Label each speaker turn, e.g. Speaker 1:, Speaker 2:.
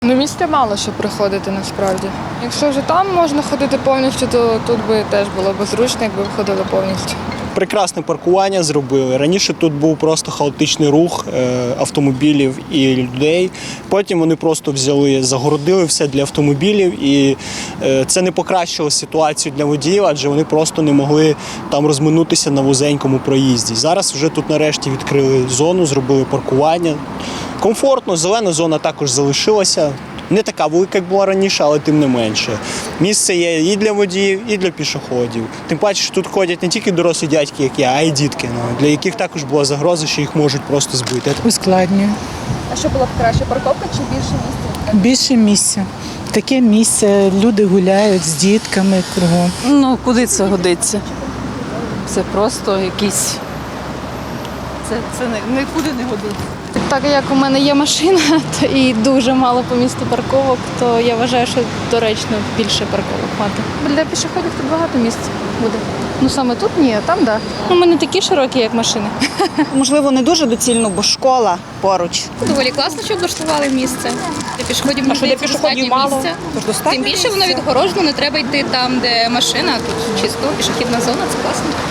Speaker 1: Ну, місця мало, щоб приходити насправді. Якщо вже там можна ходити повністю, то тут би теж було б зручно, якби ходили повністю.
Speaker 2: Прекрасне паркування зробили. Раніше тут був просто хаотичний рух автомобілів і людей. Потім вони просто взяли, загородили все для автомобілів, і це не покращило ситуацію для водіїв, адже вони просто не могли там розминутися на вузенькому проїзді. Зараз вже тут нарешті відкрили зону, зробили паркування. Комфортно, зелена зона також залишилася. Не така велика, як була раніше, але тим не менше. Місце є і для водіїв, і для пішоходів. Тим паче, що тут ходять не тільки дорослі дядьки, як я, а й дітки, для яких також була загроза, що їх можуть просто збити.
Speaker 3: Ускладнює.
Speaker 4: А що було б краще, парковка чи більше місця?
Speaker 3: Більше місця. Таке місце, люди гуляють з дітками кругом.
Speaker 5: Ну, куди це годиться? Це просто якісь. Це нікуди не годиться.
Speaker 6: Так як у мене є машина то і дуже мало по місту парковок, то я вважаю, що доречно більше парковок мати. Для пішоходів тут багато місць буде. Ну саме тут ні, а там так. Да. У мене такі широкі, як машини.
Speaker 7: Можливо, не дуже доцільно, бо школа поруч.
Speaker 8: Доволі класно, що облаштували місце. Для пішоходів мені здається, достатньо місця. Тим більше воно відгорожено, не треба йти там, де машина, тут чисто, пішохідна зона, це класно.